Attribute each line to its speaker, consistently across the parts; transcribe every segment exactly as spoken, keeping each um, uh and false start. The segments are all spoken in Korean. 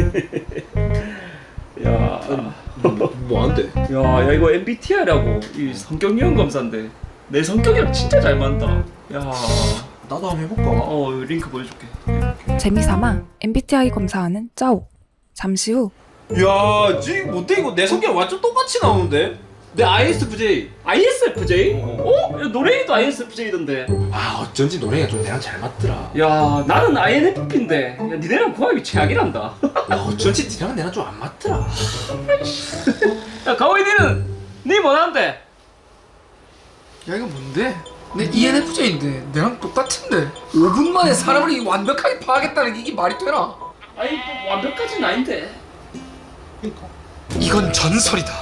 Speaker 1: 야,
Speaker 2: 뭐 안 돼?
Speaker 1: 야, 야 이거 엠비티아이라고 이 성격 유형 검사인데 내 성격이랑 진짜 잘 맞다. 야,
Speaker 2: 나도 한번 해볼까?
Speaker 1: 어 링크 보여줄게.
Speaker 3: 재미삼아 엠비티아이 검사하는 짜오. 잠시 후
Speaker 2: 야, 지금 못돼 이거 내 성격 완전 똑같이 나오는데? 내 아이에스에프제이.
Speaker 1: 아이에스에프제이?
Speaker 2: 어.
Speaker 1: 어? 야, 노래도 아이에스에프제이던데.
Speaker 2: 아, 어쩐지 노래가 좀 내랑 잘 맞더라.
Speaker 1: 야, 나는 아이엔에프피인데 야, 니네랑 궁합이 최악이란다.
Speaker 2: 야, 어쩐지 니랑 내랑 좀 안 맞더라.
Speaker 1: 야, 가오이 니는 니 뭐하는데?
Speaker 4: 야 이거 뭔데? 내 이엔에프제이인데 내랑 똑같은데 오 분 만에 사람을 이 완벽하게 파악했다는 게 이게 말이 되나?
Speaker 1: 아니 뭐 완벽까지는 아닌데.
Speaker 2: 그러니까.
Speaker 4: 이건 전설이다.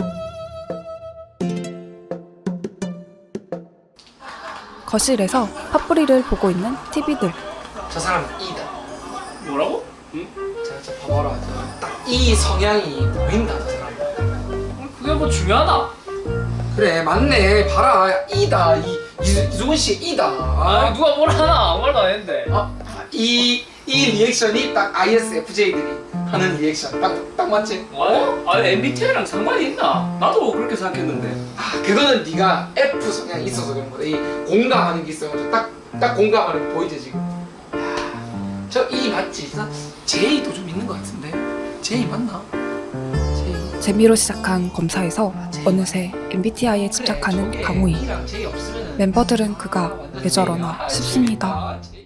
Speaker 3: 거실에서 팥뿌리를 보고 있는 티비들.
Speaker 4: 저 사람은 E다.
Speaker 1: 뭐라고? 응?
Speaker 4: 자, 저 봐봐라. 딱 이 성향이 보인다. 저 사람.
Speaker 1: 그게 뭐 중요하나?
Speaker 4: 그래 맞네. 봐라 E다. 이 이- 이수근 씨 E다.
Speaker 1: 아,
Speaker 4: 아,
Speaker 1: 누가 뭘 하나 아무 말도 안 했는데.
Speaker 4: 아, 이, 이 리액션이 딱 아이에스에프제이들이 하는 리액션 딱, 딱 맞지?
Speaker 1: 어? 아, 엠비티아이랑 상관이 있나? 나도 그렇게 생각했는데.
Speaker 4: 아 그거는 네가 F 성향이 있어서 그런 거다. 이 공감하는 게 있어가지고 딱, 딱 공감하는 거 보이지 지금? 야, 저 E 맞지? 나 J도 좀 있는 것 같은데? J 맞나? J.
Speaker 3: 재미로 시작한 검사에서 어느새 엠비티아이에 집착하는
Speaker 4: 그래,
Speaker 3: 강호이.
Speaker 4: 저게 E랑 J 없으면은
Speaker 3: 멤버들은 그가
Speaker 4: 완전
Speaker 3: 왜 저러나
Speaker 4: J가
Speaker 3: 싶습니다.
Speaker 4: 아, J.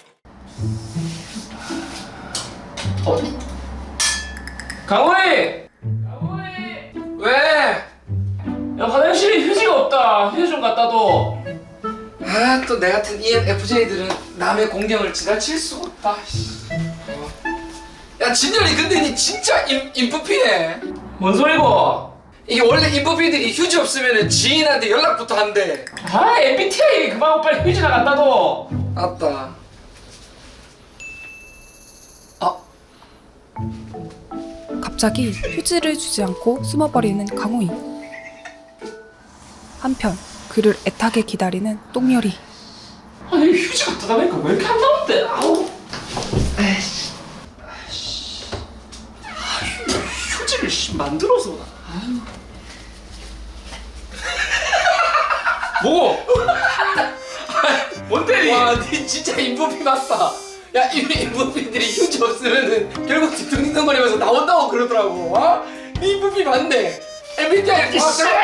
Speaker 1: 어? 강호이!
Speaker 4: 왜?
Speaker 1: 야, 화장실에 휴지가 없다. 휴지 좀 갖다 둬.
Speaker 4: 아 또 내 같은 이엔에프제이들은 남의 공경을 지나칠 수가 없다. 씨. 어. 야 진열이 근데 니 진짜 인, 인프피네.
Speaker 1: 뭔 소리고?
Speaker 4: 이게 원래 인프피들이 휴지 없으면 지인한테 연락부터 한대.
Speaker 1: 아, 엠비티아이 그만하고 빨리 휴지나 갖다 둬.
Speaker 4: 맞다. 아
Speaker 3: 갑자기 휴지를 주지 않고 숨어버리는 강호이. 한편 그를 애타게 기다리는 똥열이.
Speaker 1: 아니, 휴지 갖다 달라니까 왜 이렇게 안 나오는데? 아우.
Speaker 4: 에이씨.
Speaker 1: 아, 휴지를 씨, 만들어서. 아유. 뭐고? 뭔데?
Speaker 4: 와, 니 진짜 인프피 맞다. 야, 이 인프피들이 휴지 없으면은 결국 뒤뚱뒤뚱거리면서 나온다고 그러더라고. 어? 니 인프피 맞네. 엠비티아이 아,
Speaker 1: 씨.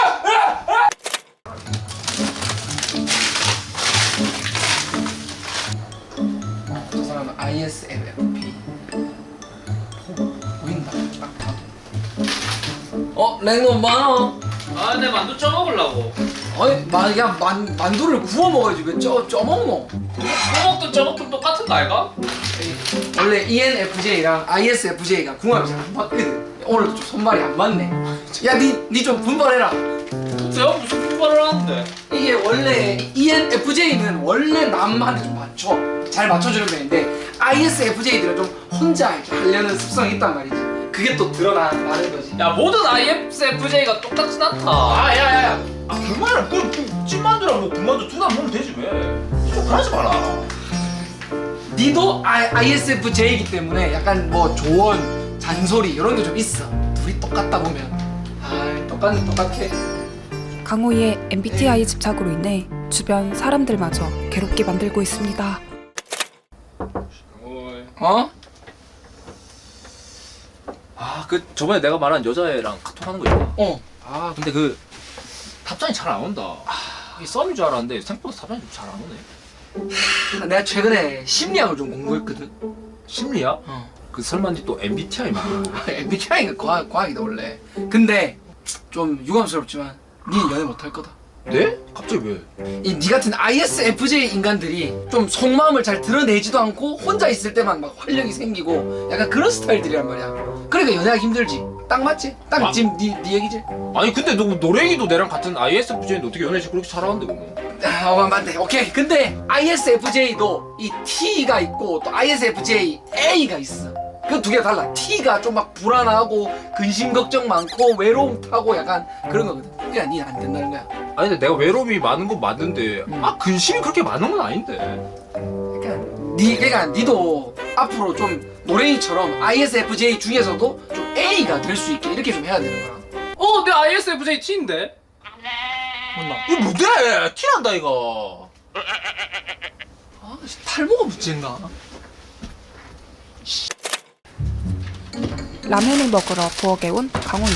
Speaker 4: 저 사람은 아이에스에프피. 보인다. 딱 봐도. 어, 랭놈 많아.
Speaker 1: 아, 내 만두 쪄먹으려고.
Speaker 4: 아니, 만, 야, 만, 만두를 구워 먹어야지. 왜 쪄, 쪄 먹노?
Speaker 1: 쪄먹든 쪄먹든 똑같은 거 아이가?
Speaker 4: 원래 이엔에프제이랑 아이에스에프제이가 궁합이 잘 안 맞거든. 오늘도 좀 손발이 안 맞네. 야, 니, 니 좀 분발해라.
Speaker 1: 내가 무슨 분발을 하는데?
Speaker 4: 이게 원래 이엔에프제이는 원래 남한테 좀 맞춰. 잘 맞춰주는 편인데 아이에스에프제이들은 좀 혼자 이렇게 하려는 습성이 있단 말이지. 그게 또 드러나는 거지.
Speaker 1: 야, 모든 아이에스에프제이가 똑같진 않다.
Speaker 2: 아, 야, 야, 야. 아, 그만해. 그, 그 찐만두랑 뭐 군만두 둘 다 먹으면 되지 왜? 좀 그러지 마라.
Speaker 4: 니도 아이에스에프제이이기 때문에 약간 뭐 조언, 잔소리 이런 게 좀 있어. 둘이 똑같다 보면 아, 똑같네, 똑같해.
Speaker 3: 강호이의 엠비티아이 집착으로 인해 주변 사람들마저 괴롭게 만들고 있습니다.
Speaker 4: 어?
Speaker 2: 아, 그 저번에 내가 말한 여자애랑 카톡하는 거 있잖아.
Speaker 4: 어.
Speaker 2: 아, 근데 그 답장이 잘 안 온다. 아, 이게 썸인 줄 알았는데 생각보다 답장이 좀 잘 안 오네.
Speaker 4: 내가 최근에 심리학을 좀 공부했거든.
Speaker 2: 심리야?
Speaker 4: 어.
Speaker 2: 그 설마 니또 엠비티아이 말하는 거?
Speaker 4: 엠비티아이가 과학, 과학이다 원래. 근데 좀 유감스럽지만 니는 연애 못할 거다.
Speaker 2: 네? 갑자기 왜?
Speaker 4: 이 니 같은 아이에스에프제이 인간들이 좀 속마음을 잘 드러내지도 않고 혼자 있을 때만 막 활력이 생기고 약간 그런 스타일들이란 말이야. 그러니까 연애하기 힘들지. 딱 맞지? 딱
Speaker 2: 아.
Speaker 4: 지금 니, 니 얘기지?
Speaker 2: 아니 근데 너 노랭이도 내랑 같은 아이에스에프제이인데 어떻게 연애 그렇게 잘하는데 그러면?
Speaker 4: 아, 어, 맞네. 오케이. 근데 아이에스에프제이도 이 T가 있고 또 아이에스에프제이 A가 있어. 그 두 개 달라. T가 좀 막 불안하고 근심 걱정 많고 외로움 타고 약간 그런 거거든. 그러니까 니 안 된다는 거야.
Speaker 2: 아니 근데 내가 외로움이 많은 건 맞는데 아 근심이 그렇게 많은 건 아닌데.
Speaker 4: 그러니까 니 그러니까 니도 앞으로 좀 노랭이처럼 아이에스에프제이 중에서도 좀 A가 될 수 있게 이렇게 좀 해야 되는 거야.
Speaker 2: 어, 내 아이에스에프제이 T인데? 맞나? 이거 뭔데? T란다 이거. 아, 탈모가 문제인가?
Speaker 3: 라면을 먹으러 부엌에 온 강호이.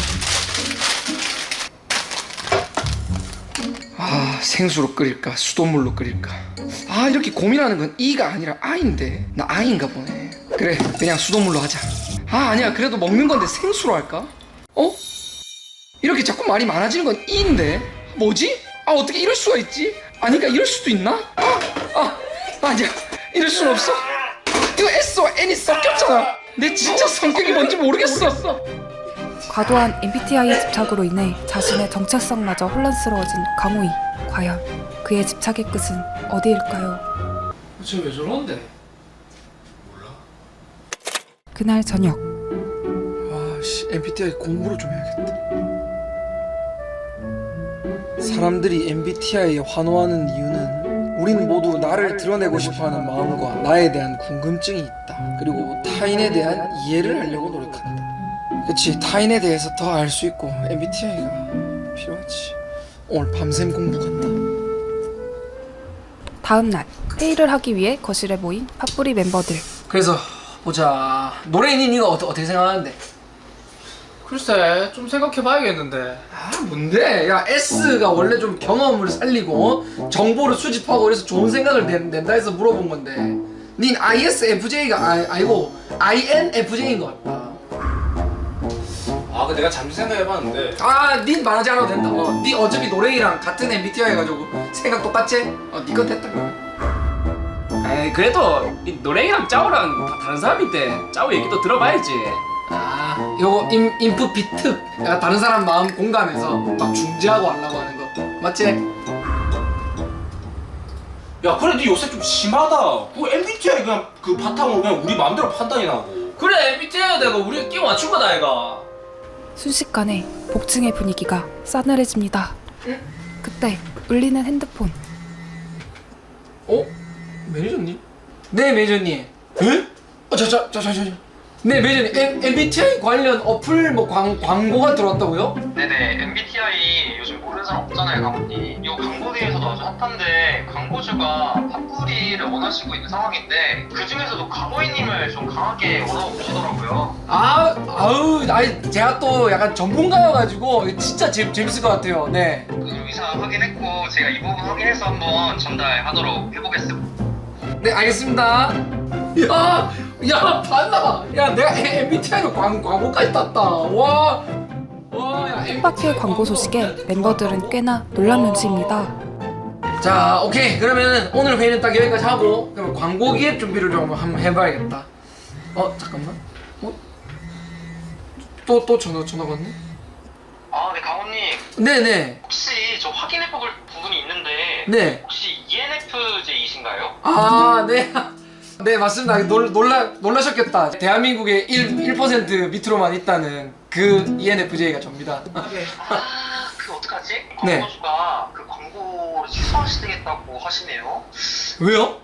Speaker 4: 아 생수로 끓일까 수돗물로 끓일까. 아 이렇게 고민하는 건 E가 아니라 I인데 나 I인가 보네. 그래 그냥 수돗물로 하자. 아 아니야 그래도 먹는 건데 생수로 할까? 어? 이렇게 자꾸 말이 많아지는 건 E인데 뭐지? 아 어떻게 이럴 수가 있지? 아니까 이럴 수도 있나? 아, 아 아니야 이럴 순 없어. 이거 S와 N이 섞였잖아. 내 진짜 성격이 뭔지 모르겠어.
Speaker 3: 과도한 엠비티아이의 집착으로 인해 자신의 정체성마저 혼란스러워진 강호이. 과연 그의 집착의 끝은 어디일까요?
Speaker 4: 쟤왜 저러는데?
Speaker 3: 그날 저녁
Speaker 4: 아씨 엠비티아이 공부를 좀 해야겠다. 사람들이 엠비티아이에 환호하는 이유는 우린 모두 나를 드러내고 싶어하는 마음과 나에 대한 궁금증이 있다. 그리고 타인에 대한 이해를 하려고 노력한다. 그치 타인에 대해서 더 알 수 있고 엠비티아이가 필요하지. 오늘 밤샘 공부 간다.
Speaker 3: 다음 날 회의를 하기 위해 거실에 모인 팥뿌리 멤버들.
Speaker 4: 그래서 보자. 노래인이 니가 어떠, 어떻게 생각하는데?
Speaker 2: 글쎄, 좀 생각해봐야겠는데.
Speaker 4: 아 뭔데? 야 S가 원래 좀 경험을 살리고 어? 정보를 수집하고 그래서 좋은 생각을 낸, 낸다 해서 물어본 건데 닌 아이에스에프제이가 아, 아니고 아이엔에프제이인 것 같다.
Speaker 2: 아, 그 내가 잠시 생각해봤는데.
Speaker 4: 아닌 말하지 않아도 된다. 어, 니 어차피 노래이랑 같은 엠비티아이 해가지고 생각 똑같지? 어, 니건 됐다.
Speaker 1: 에이 그래도 이 노랭이랑 짜오랑 다 다른 사람인데 짜오 얘기도 들어봐야지.
Speaker 4: 아 요거 인, 인풋 비트 약간 다른 사람 마음 공감해서 막 중재하고 하려고 하는 거 맞지?
Speaker 2: 야, 그래, 니 요새 좀 심하다. 그 엠비티아이 그냥 그 바탕으로 그냥 우리 마음대로 판단이 나고. 그래, 엠비티아이가 내가 우리 끼워 맞춘 거다, 아이가.
Speaker 3: 순식간에 복층의 분위기가 싸늘해집니다. 그때 울리는 핸드폰.
Speaker 4: 어? 매니저님? 네 매니저님. 에? 어, 저, 저, 저, 저, 저. 네 매니저님 엠, 엠비티아이 관련 어플 뭐 광, 광고가 들어왔다고요?
Speaker 5: 네네, 엠비티아이 요즘 모르는 사람 없잖아요, 강호님. 이 광고계에서도 아주 핫한데 광고주가 팥뿌리를 원하시고 있는 상황인데 그 중에서도 강호이님을 좀 강하게 원하시더라고요.
Speaker 4: 아, 아우, 아니 제가 또 약간 전문가여가지고 이거 진짜 재, 재밌을 것 같아요. 네.
Speaker 5: 그 의사 확인했고 제가 이 부분 확인해서 한번 전달하도록 해보겠습니다.
Speaker 4: 네 알겠습니다. 야, 야 봤나? 야 내가 엠비티아이로 광, 광고까지 땄다. 와, 와, 야.
Speaker 3: 뜻밖의 광고 소식에 멤버들은 꽤나 놀란 눈치입니다.
Speaker 4: 자, 오케이. 그러면 오늘 회의는 딱 여기까지 하고 그럼 광고 기획 준비를 좀 한번 해봐야겠다. 어, 잠깐만. 어? 또 또 전화 전화가 왔네?
Speaker 5: 아, 네, 강호님.
Speaker 4: 네네.
Speaker 5: 혹시 저 확인해볼 부분이 있는데
Speaker 4: 네.
Speaker 5: 혹시 이엔에프제이이신가요?
Speaker 4: 아, 네. 네, 맞습니다. 놀, 놀라, 놀라셨겠다. 대한민국의 일, 일 퍼센트 밑으로만 있다는 그 이엔에프제이가 접니다.
Speaker 5: 아, 그 어떡하지?
Speaker 4: 네.
Speaker 5: 광고주가 그 광고를 취소하시겠다고 하시네요.
Speaker 4: 왜요?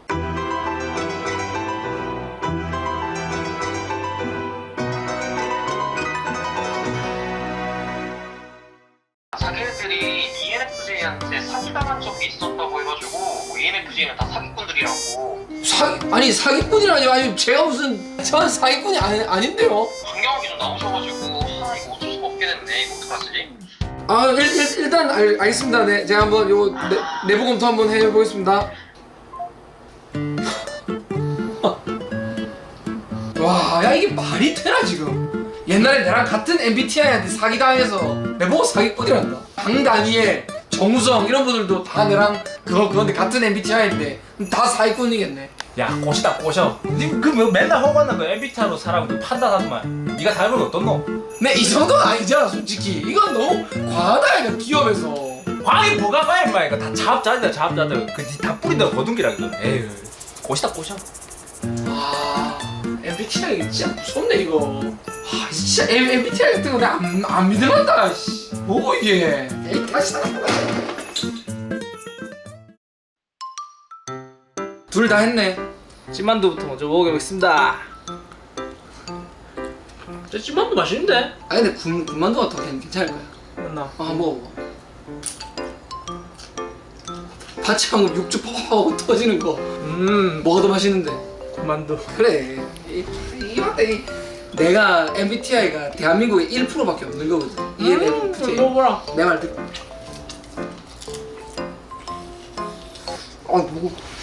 Speaker 5: 자기네들이 이엔에프제이한테 사기당한 적이 있었다고 해가지고 뭐 이엔에프제이는 다 사기꾼들이라고.
Speaker 4: 사, 아니, 사기꾼이라뇨? 아니, 제가 무슨, 전 사기꾼이 아니, 아닌데요?
Speaker 5: 강경하게 좀 나오셔가지고 아 이거 어쩔 수가 없게 됐네. 이거 어떡하지?
Speaker 4: 아, 일, 일, 일단 알, 알겠습니다. 네, 제가 한번 요거 내, 내부 검토 한번 해보겠습니다. 와, 야 이게 말이 되나 지금? 옛날에 나랑 같은 엠비티아이한테 사기당해서 내보고 사기꾼이란다. 강다니엘, 정우성 이런 분들도 다 내랑 그거 그건데 같은 엠비티아이인데 다 사기꾼이겠네.
Speaker 2: 야, 꼬시다 꼬셔. 니그뭐 맨날 허구하는 그 엠비티아이로 사람 그 판단하더만. 니가 닮은 거 어떻노?
Speaker 4: 네, 이 정도는 아니잖아 솔직히. 이건 너무 과하다 이거 기업에서.
Speaker 2: 광이 뭐가 봐 임마. 이거 다 자업자들이다 자업자들. 그다 뿌린다 거둔기라 이거. 에휴, 꼬시다 꼬셔.
Speaker 4: 아, 엠비티아이 이거 진짜 무섭네 이거. 아, 진짜 엠, 엠비티아이 같은 거 내가 안, 안 믿어간다. 씨. 뭐고 이게? 에이, 다시 나간다. 둘 다 했네.
Speaker 2: 찐만두부터 먼저 먹어보겠습니다. 저 찐만두 맛있는데?
Speaker 4: 아 근데 군, 군만두가 더 괜- 괜찮을 거야.
Speaker 2: 맞나?
Speaker 4: 어, 한번 먹어봐. 파치 방금 육즙 퍽퍽하고 터지는 거
Speaker 2: 음
Speaker 4: 뭐가 더 맛있는데?
Speaker 2: 군만두.
Speaker 4: 그래 이, 이 맛에 이- 내가 엠비티아이가 대한민국에 일 퍼센트밖에 없는 거거든. 이엔에프제이.
Speaker 2: 먹어보라.
Speaker 4: 내 말 듣고. 아, 뭐고?